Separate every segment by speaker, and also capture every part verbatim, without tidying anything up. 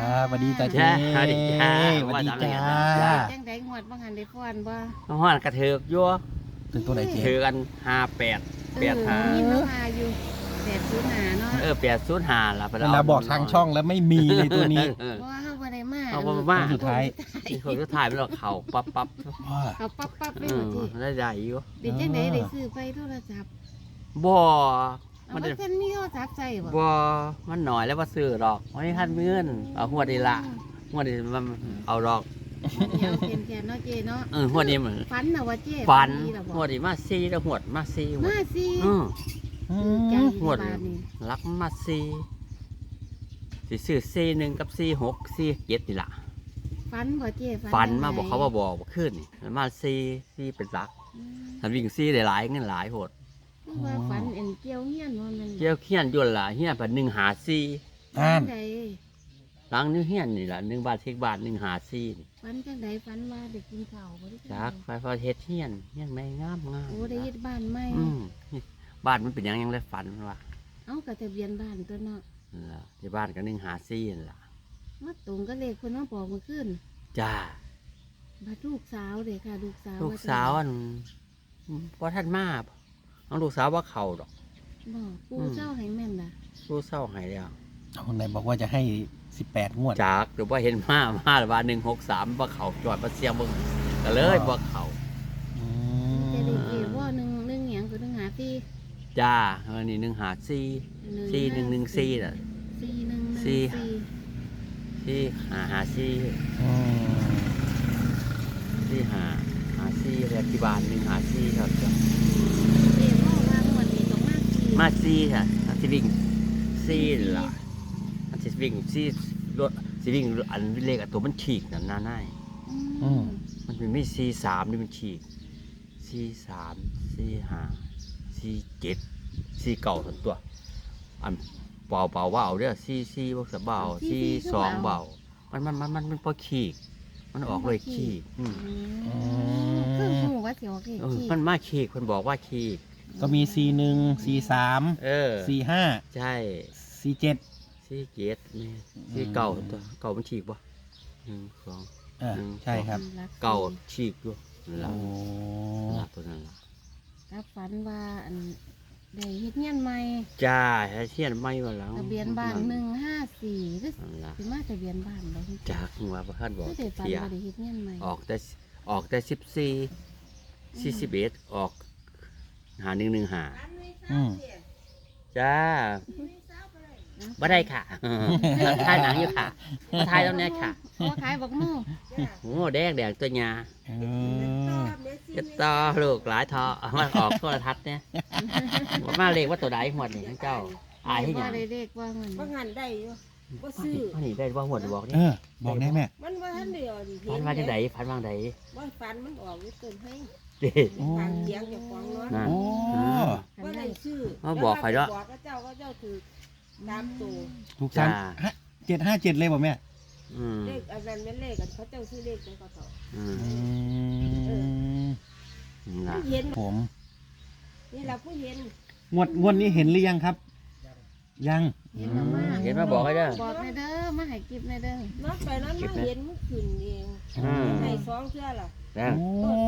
Speaker 1: ครับสวัสดีจ้าเจ๊
Speaker 2: สวัสดีจ้า
Speaker 1: สวัสดีจ้า
Speaker 3: จังได๋งวดบ่หันได้ฟ้อนบ่
Speaker 2: ห้อนกระเถิกยั่ว
Speaker 1: ถึงตัวไหนเจ๊
Speaker 2: ถือกันห้าแปดแปดห้า
Speaker 3: มีน้องอาอยู่แปดศูนย์ห้าเนาะ
Speaker 2: เออแปดศูนย์ห้าละ
Speaker 1: เวลาบอกทางช่องแล้วไม่มีเลยตัวนี้
Speaker 2: เออ
Speaker 3: เพราะว่าเฮาบ่ได้มา
Speaker 2: เอาบ่มา
Speaker 1: สุดท้าย
Speaker 2: ที่คนก็ถ่ายไปแล้วเข่าปั๊บปั๊บ
Speaker 1: ว้า
Speaker 3: เขาปั๊บปั๊บไป
Speaker 2: เอ
Speaker 3: หม
Speaker 2: อ
Speaker 3: ดที่
Speaker 2: ได้ใหญ่อยู่
Speaker 3: เป็นจังได๋ได้ซื้อไปโทรศัพท์
Speaker 2: บ่
Speaker 3: เอา
Speaker 2: มัน
Speaker 3: ว่าท่านมีโทรศัพท์ใช้บ่
Speaker 2: บ่มันหน่อยแล้วว่าซื้อดอกวันนี้ท่านมีเงินเอาหัวดีละหัวดีมันเอาดอก
Speaker 3: เดี๋ยวเป็นแค่เนาะเจเนาะ
Speaker 2: เออหัวดีเหมือน
Speaker 3: ฝันน่ะว่าเจ
Speaker 2: ฟัน
Speaker 3: ดีล่ะบ่
Speaker 2: หัวดีมาซีแล้วหัวดมาซีหัว
Speaker 3: มาสิ
Speaker 2: อือ
Speaker 1: อื
Speaker 3: ใจ
Speaker 1: ม
Speaker 3: ดี
Speaker 2: หมด
Speaker 3: บาดนี้
Speaker 2: รักมาซีสิซื้อซีหนึ่งกับซีหกซีเจ็ดนี่ล่ะ
Speaker 3: ฝันบ่เจ
Speaker 2: ฝันมา
Speaker 3: จังได๋
Speaker 2: บอกเขาว่าบอกว่าขึ้นนี่มาซีซีเป็นรัก
Speaker 3: อืม
Speaker 2: ทันวิ่งซีได้หลายเงินหลายโหด
Speaker 3: คือว่าฝันเอ็นเกี่ยวเฮียนว่ามัน
Speaker 2: เจ้าเฮียนยุ่นล่ะเฮียนเป็นหนึ่งหาซี
Speaker 1: อ่าน
Speaker 3: ใด
Speaker 2: หลังนึงเฮียนนี่ล่ะหนึ่งบาทเทกบาทหนึ่งหาซีนี่
Speaker 3: ฝันจังได๋ฝันว่าได้กินข้าวบ่ได้
Speaker 2: จากไฟฟ้าเฮ็ดเฮียนเฮียนไม่งามงาม
Speaker 3: โอ้ได้เฮ็ดบ้านใหม่
Speaker 2: อืมบ้านมันเป็นหยังยังเลยฝันว่า
Speaker 3: เอ้าก็ทะเบียนบ้านตัวเนาะ
Speaker 2: นั่นล่ะที่บ้านก็หนึ่งหาซีนั่นล่ะ
Speaker 3: มาตรงก็เลขเพิ่นมาบอกเมื่อคืน
Speaker 2: จ้า
Speaker 3: บัดลูกสาวเด้ค่ะลูกสาว
Speaker 2: ลูกสาวอันพอท่านมาน้องลูกสาวว่าเขาดอก
Speaker 3: บอกปู
Speaker 2: อืม
Speaker 3: เจ้าให้แม่นล่ะ
Speaker 2: สู้เศร้าใหายแล้ว
Speaker 1: คนไหนบอกว่าจะให้สิบแปดงวด
Speaker 2: จากหรือว่าเห็นมามาหรือว่าหนึ่งหกสามว่าเขาจอดมาเสียงมึงก็เลยว่าเขา
Speaker 1: อื
Speaker 3: จะได้
Speaker 1: ม
Speaker 3: เกว่าหนึ่งหนึ่งหยังคือหนึ่งหาที่
Speaker 2: จ้าอันนี้หนึ่งหาซีซีหนึ่งหนึ่งซีน่ะ
Speaker 3: สี่หนึ่งหนึ่ง
Speaker 2: สี่
Speaker 3: สี่
Speaker 2: ซีหาหาซี
Speaker 1: อืม
Speaker 2: ซีหาหาซีเรียกที่บ้านหนึ่งหาซีครับจ้ะ
Speaker 3: เกว่าว่าหมดนี้ต้องมากสี่
Speaker 2: มาซีค่ะอันที่วิ่งซีล่ะอันที่วิ่งซีรถซีวิ่งอันเลขอันตัวมันฉีกนั่นน่าน่าย
Speaker 3: อืม
Speaker 2: มันเป็นไม่ซีสามนี่มันฉีกซีสามซีห้าซีเจ็ดซีเก่าทั้งตัว อันเบาเบาเบาเด้อซีซีบ่สะเบาซีสองเบามันมันมันมันมันพอขีกมันออกเลยขีกอืม
Speaker 3: อืมคือหูว่าเสียวเก
Speaker 2: เออ
Speaker 3: ขี้
Speaker 2: มันมาขีกคนบอกว่าขีก
Speaker 1: ก็มีสี่หนึ่งสี่สาม
Speaker 2: เออ
Speaker 1: สี่ห้า
Speaker 2: ใช่
Speaker 1: สี่เจ็ด
Speaker 2: ซีเจ็ดนี่ซีเก่าทั้งตัวเก่ามันฉีกปะหนึ่งสอง
Speaker 1: อ่าใช่ครับ
Speaker 3: รัสี่
Speaker 2: เก่าฉีกด้วยนั่น
Speaker 1: โอ้
Speaker 2: ละตัวนั้นละ
Speaker 3: รับฝันว่าอันได้เฮ็ดเงี้ยนใหม่
Speaker 2: จ้าให้เชียนไม่มาแล้ว
Speaker 3: ทะเบียนบ้านหนึ่งห้าสี่หรือ
Speaker 2: นั่นละ
Speaker 3: สิมาทะเบียนบ้านบ่
Speaker 2: จากหัวพระท่านบอก
Speaker 3: ไม่ได้ฝัน
Speaker 2: เทีย
Speaker 3: ว่าได้เฮ็ดเงี้ยนใหม่
Speaker 2: ออกแต่ออกแต่สิบสี่สี่สิบเอ็ดออกหาหนึ่งหนึ่งหา
Speaker 1: อืม
Speaker 2: จ้าบ่ได้ค่ะถ่ายหนังอยู่ค่ะมาถ่ายตรงนี้ค่ะ
Speaker 3: เพราะว่าขายบักมู่
Speaker 2: โอ้แดงแดงตัวยา
Speaker 1: เออ
Speaker 2: จะต่อลูกหลายทอเอามาออกโทรทัศน์เนี่ยว่ามาเลขว่าตัวใดหวดนี่ทั้งเจ้าอายให้หยัง
Speaker 3: ว่าได้เลขว่าเงิน
Speaker 4: บางหันได้อยู่บ่ซื้อ
Speaker 2: อันนี้ได้ว่าหวดบอก
Speaker 1: เอ
Speaker 2: นี่
Speaker 1: อ บอกได้แม่
Speaker 4: มันว่าทันเดียวดิ
Speaker 2: พันมาที่ไหนพันวางไหน
Speaker 4: ว่าฟันมันออกอยู่เกินให้
Speaker 2: เด้
Speaker 1: โอ้
Speaker 4: ทางเสียงเจ้าของเนาะ
Speaker 2: นั่น
Speaker 1: โอ้
Speaker 4: ว่าได้ซื้อ
Speaker 2: เอาบอกใครเนาะ
Speaker 4: บอกก็เจ้าก็เจ้าถือตามตัว
Speaker 1: ถูกสามฮะเจ็ดห้าเจ็ดเลยบอกแม่
Speaker 2: อืม
Speaker 4: เลขอันนั้นเป็นเลขกันเขาเจ้าซื้อเลขจังก็เขา
Speaker 2: อืม
Speaker 1: อืม
Speaker 2: นะ
Speaker 4: เห็น
Speaker 1: ผม
Speaker 4: นี่เราผู้เห็น
Speaker 1: งวดงวดนี้เห็นหรือยังครับ ยัง
Speaker 3: เห็นแล้วมา
Speaker 2: เห็นมาบอกให้เด้อ
Speaker 3: บอกในเด้อมาให้กิบในเด้อ
Speaker 4: นอกไปนั้นมาเห็นมันขึ้นเอง
Speaker 2: อืม
Speaker 4: ให้สองเทื่อล่ะ
Speaker 2: นะ
Speaker 1: โอ้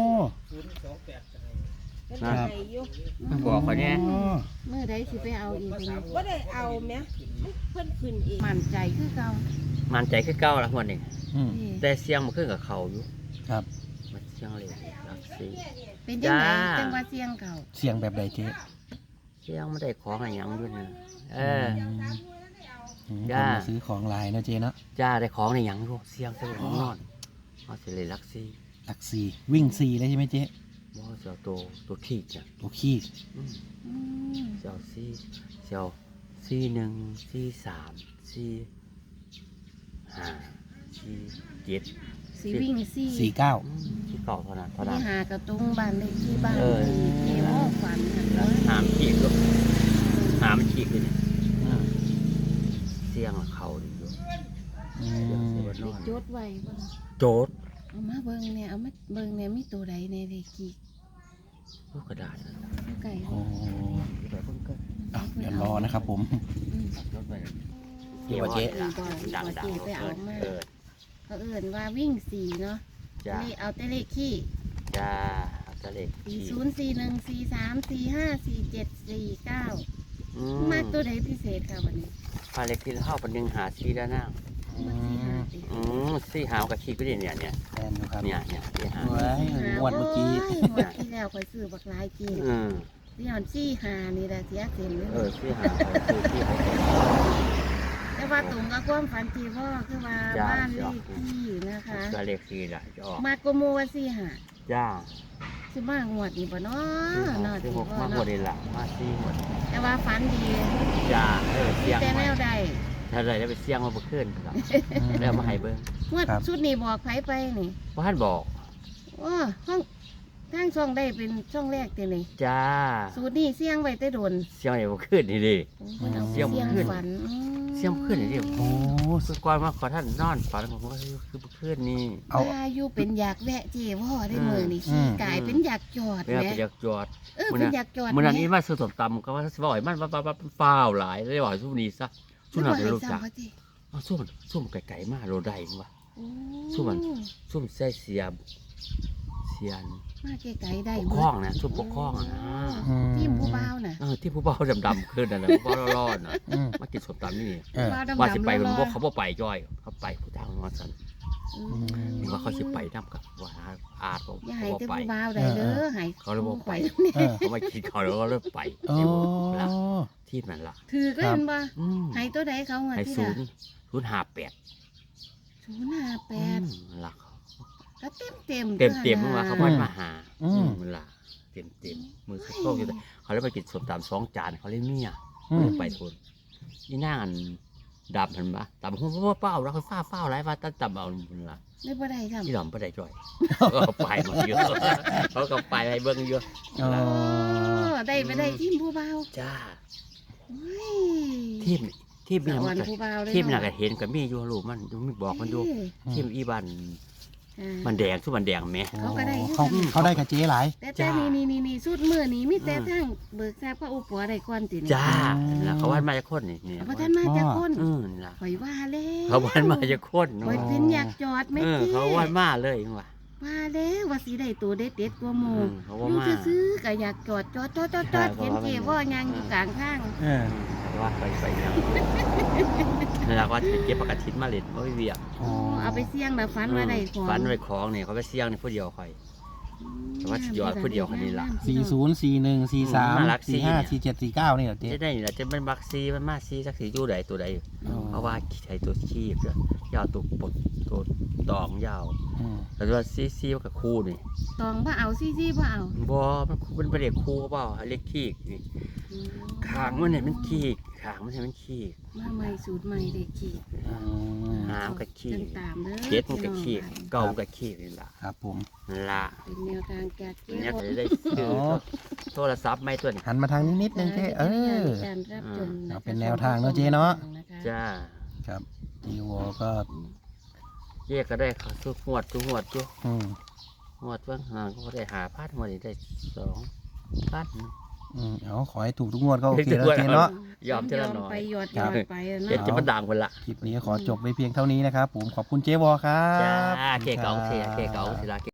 Speaker 4: เป็น
Speaker 2: ครับ
Speaker 4: ให้อยู่
Speaker 2: บอกเขาเนี่ย
Speaker 1: อ๋อ
Speaker 3: เมื่อใดสิไปเอาอีกเป็น
Speaker 4: ว่าได้เอาแหมมันเพิ่นขึ้นเอง
Speaker 3: มั่นใจคือเก่า
Speaker 2: มันใจคือเก้าละหวดนี่
Speaker 1: อืม
Speaker 3: นี่
Speaker 2: แต่เสียงมันขึ้นกับเขาอยู่
Speaker 1: ครับ
Speaker 2: มันเสียงเลยรักซี
Speaker 3: เป็นจังได
Speaker 2: จ้า
Speaker 3: จังว่าเสียงเก่า
Speaker 1: เสียงแบบใดเจ๊
Speaker 2: เสียงไม่ได้ของอะไรหยังด้วยนะเออ
Speaker 1: อืม
Speaker 2: จ้า
Speaker 1: คนมาซื้อของลายนะเจ๊เนาะ
Speaker 2: จ้าได้ของในหยังด้วยเสียงเสียงของนอนเอาสิเลยรักซี
Speaker 1: หลักสี่วิ่งสี่เลยใช่ไหมเจ๊
Speaker 2: บ่เสียวตัวตัวขี้จ้ะ
Speaker 1: ตัวขี้
Speaker 2: อืม
Speaker 3: อืม
Speaker 2: เสียวซีเสียวซีหนึ่งซีสามซีห้าซีเจ็ด
Speaker 3: สีวิ่งสี่
Speaker 1: สี่เก้า
Speaker 2: อืมที่เก่าเท่านั้นเท่า
Speaker 3: ที่
Speaker 2: นั้น
Speaker 3: หากระตรงบ้านเลขที่บ้าน
Speaker 2: เออ
Speaker 3: เกี่ยวฝันน่ะเนอะ
Speaker 2: หามฉีกด้วยหามฉีกเลยเนี่ยเสียงเขาดีอยู่
Speaker 1: อื
Speaker 2: เสียง
Speaker 1: ม
Speaker 2: เสียงน
Speaker 3: ได้
Speaker 2: อน
Speaker 3: จดไว้บ่ล่ะ
Speaker 2: โจด
Speaker 3: เอามาเบิ่งเนี่ยเอามาเบิ่งเนี่ยมีตัวใดในเลขกี่
Speaker 2: ลูกกระดาษนั่น
Speaker 3: เอาไก่
Speaker 1: โอ้
Speaker 2: เดี๋ยวเพิ่งเกิด
Speaker 1: อ่ะเดี๋ยวรอนะครับผม
Speaker 3: อืม
Speaker 2: รถไป
Speaker 1: เกี่ยวกับเจ๊
Speaker 2: ล่ะดังๆ
Speaker 3: ไปเอามา
Speaker 2: เออ
Speaker 3: เขาเอิ่นว่าวิ่งสี่เนาะ
Speaker 2: จ้า
Speaker 3: เลขเอาแต่เลขขี้
Speaker 2: จ้าเอาแต่เลข
Speaker 3: สี่
Speaker 2: ที่
Speaker 3: ศูนย์สี่หนึ่งสี่สามสี่ห้าสี่เจ็ดสี่เก้า
Speaker 2: อื
Speaker 3: มากตัวไหนพิเศษค่ะวันนี้
Speaker 2: พาเลขที่เฮาเป็นหนึ่งหาสี่แล้วนะ
Speaker 3: มากสี่ห้าสิ
Speaker 2: อืมสี่หาวกับขี้ก็ได้เนี่ยเนี่ย
Speaker 1: แทนดูครับ
Speaker 2: เนี่ยเนี่ยสี่หา
Speaker 1: เว้ยงวดเมื่อกี้
Speaker 3: โยงวดที่แล้วคอยซื้อบักหลายจีน
Speaker 2: อืม
Speaker 3: ที่หอนสี่ห้านี่แหละเสียเต็มเลย
Speaker 2: เออสี่หาวคือที่เขา
Speaker 3: แต่ว่าตรงกับความฝันที่พ่อคือว่า
Speaker 2: จ้ะ
Speaker 3: บ้านเลขที่นะคะ
Speaker 2: ก็เลขสี่ละจะออก
Speaker 3: มากโกโมว่าสี่ห้า
Speaker 2: จ้า
Speaker 3: สิมางวดนี่บ่เนาะเนาะ
Speaker 2: สี่
Speaker 3: ที่
Speaker 2: หก
Speaker 3: พ่อ
Speaker 2: มาหม
Speaker 3: เนาะ
Speaker 2: ดเลยล่ะมาสี่หมด
Speaker 3: แต่ว่าฝันดี
Speaker 2: จ้าเออ
Speaker 3: มี
Speaker 2: เสียง
Speaker 3: แต่แน
Speaker 2: ใหม่
Speaker 3: วใด
Speaker 2: ถ้าเลยได้ไปเสียงมาเมื่อคืนครับแล้วมาให้เบิ่ง
Speaker 3: งวด
Speaker 1: ครับ
Speaker 3: ชุดนี้บอกไผไปนี่
Speaker 2: ว่าท่านบอก
Speaker 3: โอ้ห้องทางช่องได้เป็นช่องแรกตินี่
Speaker 2: จ้า
Speaker 3: สูตรนี้เสี่ยงไว้แต่โดน
Speaker 2: เสียงอะไรเมื่อคืนนี่ดิ
Speaker 3: โอ้เพิ่นเอา
Speaker 2: เสี่ยง
Speaker 3: เสี่ยง
Speaker 2: ขึ้น
Speaker 3: ฝันอืม
Speaker 2: เสียงเมื่อคืนนี่ดิ
Speaker 1: โอ้
Speaker 2: คือก่อนมาขอท่านนอนฝันผมก็คือเพื่อนนี่
Speaker 1: เอา
Speaker 3: ว่าอยู่เป็นอยากแวะเจพ่อได้
Speaker 2: อืม
Speaker 3: มือนี่
Speaker 1: อื
Speaker 3: ขี้
Speaker 1: ม
Speaker 3: กายเป็นอยากจอด
Speaker 2: เรื่อง
Speaker 3: แหม
Speaker 2: ไปอยากจอด
Speaker 3: เออ
Speaker 2: มื้อ
Speaker 3: เป็น
Speaker 2: นั้น
Speaker 3: อยากจอด
Speaker 2: เมื่อนั้น
Speaker 3: แห
Speaker 2: นี้มาซื้อสมตำก็ว่าสิบ่อยมันฟ้าฟ้าวหลายเลยว่าสุนี้ซะสุ
Speaker 3: ไม่
Speaker 2: นั
Speaker 3: บ่
Speaker 2: น
Speaker 3: ให้
Speaker 2: รู้จัก
Speaker 3: ซ้ำเขาติ
Speaker 2: เอาซุ่มซุ่มไก่ๆมาโรได้ว่ะ
Speaker 3: โอ้
Speaker 2: สู้มัน ซุ่มใส่เสียบเสียน
Speaker 3: มาไกลๆได้
Speaker 2: ปกคล้องนะซุ่มปกคล้องอะนะ
Speaker 1: อืม
Speaker 3: ทีมผู้บ่าวน่ะ
Speaker 2: เออที่ผู้เบาดำๆขึ้นนั่นน่ะผู้เบาร้อนๆน่ะ
Speaker 1: อืม
Speaker 2: มากินสมตำนี่
Speaker 1: เออ
Speaker 3: บ่าวดำๆ
Speaker 2: ว่าสิไป
Speaker 3: ร
Speaker 2: มัน
Speaker 3: อ
Speaker 2: บอกเขาบ่ไปจ้อยเขาไปผู้ทางนอนสัน
Speaker 3: ๆอืม
Speaker 2: ผมว่าเขาสิไปนํกับว่าอาดผม
Speaker 3: อย่าให้
Speaker 2: บ่
Speaker 3: แต่
Speaker 2: ไป
Speaker 3: ผู้บ่าวได้เด้อให้
Speaker 2: เขาเลยบอกไป
Speaker 3: นี่
Speaker 1: เออ
Speaker 2: เขาไม่กินเขาแล้วก็เริ่มไป
Speaker 1: โอ้
Speaker 2: ที่บ่ละที่นั่นล่ะ
Speaker 3: ถือก็เห็นบ่
Speaker 2: อืม
Speaker 3: ให้ตัวใดเขาเงิน
Speaker 2: ให้
Speaker 3: ที่
Speaker 2: ศู
Speaker 3: ละ
Speaker 2: นย์ศูนย์ห้าแปด
Speaker 3: ศูนย์ห้าแปด
Speaker 2: ล่ะ
Speaker 3: ก็เต็มเต็ม
Speaker 2: เต็มเต็มๆว่าเขาไม่มาหา
Speaker 1: อืม
Speaker 2: มันล่ะเต็มเต็มๆมือโชคอยู่แต่เขาเลยไปกินสมตำสองจานเขาเลยเมีย
Speaker 1: อืม
Speaker 2: ไปทนนี่นั่งอันดำเห็นปะดำหัวเป้าแล้วเขาฟ้าเฝ้าไรว่าตั้งดำเอามันล่ะ
Speaker 3: ได้บ่ได้ทำ
Speaker 2: ที่ดำไม่ได้จ่อยเขาก็ไปมาเยอะเขาก็ไปให้เบิ้งเยอะ
Speaker 1: อ๋อ
Speaker 3: โอ้ได้ไปได้ทีมผู้บ่าว
Speaker 2: จ้า
Speaker 3: โอ้ย
Speaker 2: ทีมทีม
Speaker 3: ส
Speaker 2: นี่
Speaker 3: ว
Speaker 2: มั
Speaker 3: ร
Speaker 2: น
Speaker 3: ร
Speaker 2: ก็
Speaker 3: ค์ผู้บ่าวเลย
Speaker 2: ทีมน่ะ
Speaker 3: เนาะ
Speaker 2: ก็เห็นกับมีอยู่ลูกมันมีบอกมันอยู่
Speaker 3: เอ้ย
Speaker 2: ทีมอีบัน
Speaker 3: อ่า
Speaker 2: มันแดงทุกมันแดงแม่
Speaker 3: เขาก็ได้
Speaker 1: เขาเขาได้กับเจ๊หลาย
Speaker 3: แต่แต่
Speaker 2: จ้า
Speaker 3: นี่นี่นี่นี่สุดมือนี่มีแต่
Speaker 2: อืม
Speaker 3: ทั้งเบิกทราบพระอุปวได้ก่อนตินี่
Speaker 2: จ้าแล้วเขาว่ามาจากคนนี่นี่
Speaker 3: เพราะท่านมาจากคน
Speaker 2: อืมล่ะ
Speaker 3: ข่อยว่าแล้ว
Speaker 2: เขาว่ามาจากคน
Speaker 3: ข่อยเป็นอยากจอดไหม่
Speaker 2: เออ
Speaker 3: เจ๊
Speaker 2: เขาว่ามาเลยว่ะ
Speaker 3: ว่าแล้วว่าสิได้ตัวเด็ดเด็ดๆกว่าหมู่
Speaker 2: อืมเขาว่า
Speaker 3: อยู่
Speaker 2: มา
Speaker 3: ซื้อๆก็อยากจอดจอดจอดจอดจอด
Speaker 2: ใช่
Speaker 3: เห็นเจ๊ว่ายังอยู่กลางทาง
Speaker 1: เออ
Speaker 2: ว่าไปไปยังนี่ละว่าจะเก็บประกาศทินมาเล่นว่าไม่เวียก
Speaker 1: โอ้
Speaker 3: เอาไปเสี่ยงแบบฝันว่าได้ของ
Speaker 2: ฝันไว้ของเนี่ยเขาไปเสี่ยงในผู้เดียวคอย แต่ว่าสิยอดผู้เดียวคนนี้ล่ะ
Speaker 1: สี่ศูนย์สี่หนึ่งสี่สาม
Speaker 2: น่ารักสิ
Speaker 1: สี่ห้าสี่เจ็ดสี่เก้านี่เหรอเจ๊
Speaker 2: จะได้นี่แหละจะเป็นบักซีมันมาซีสักสีอยู่ใดตัวใด
Speaker 1: อ๋อ
Speaker 2: เพราะว่าใช้ตัวชีพด้วยยาวตัวปลดตัวตองยาว
Speaker 1: อืม
Speaker 2: แต่ว่าซีซีมันกับคู่นี่
Speaker 3: ตองบ่เอาซี่ซี่บ่เอา
Speaker 2: บอมันมันเป็นเด็กคู่เปล่าเล็กขี้นี่ขางมันเนี่ยมันขี้ขางมันเนี่ยมันขี้
Speaker 3: มาใหม่สูตรใหม่เด็กขี่
Speaker 1: อืม
Speaker 2: หามกับขี้
Speaker 3: ติดตามเด้อ
Speaker 2: เจ็ดมันกับขี้
Speaker 3: พี่น้อง
Speaker 2: เก่ามันกับขี้นี่ล่ะ
Speaker 1: ครับผม
Speaker 2: ละ
Speaker 3: เป็นแนวทางจากเจ๊
Speaker 2: เนี่ย
Speaker 3: ว
Speaker 2: จะได้ซื้อโทรศัพท์ไม่ตัวนี้
Speaker 1: หันมาทางนี้นิดนึงเจ๊เออ
Speaker 3: การรับชมะคะ
Speaker 1: เอาเป็นแนวทางเนอะเจ๊เนาะ
Speaker 2: จ้า
Speaker 1: ครับจีวอก็
Speaker 2: เรียกก็ได้ทุกหวดทุกหวดทุก
Speaker 1: อืม
Speaker 2: หวดเบื้องห่างก็ได้หาพัดมาได้สองพัด
Speaker 1: อืมเอาขอให้ถูกทุกงวดก็โอเคแล้วเจ๊เนาะ
Speaker 2: ยอมทีละหน่อย
Speaker 3: ไปหยอดหย
Speaker 1: ครั
Speaker 3: อบ ดไป
Speaker 2: เจ็ด
Speaker 3: เนาะ
Speaker 2: จะมาด่างคนละ
Speaker 1: คลิปนี้ขอจบไปเพียงเท่านี้นะครับผมขอบคุณเจ๊วอครับ
Speaker 2: จ้าเกเก๋าเสียเกเก๋าสิละ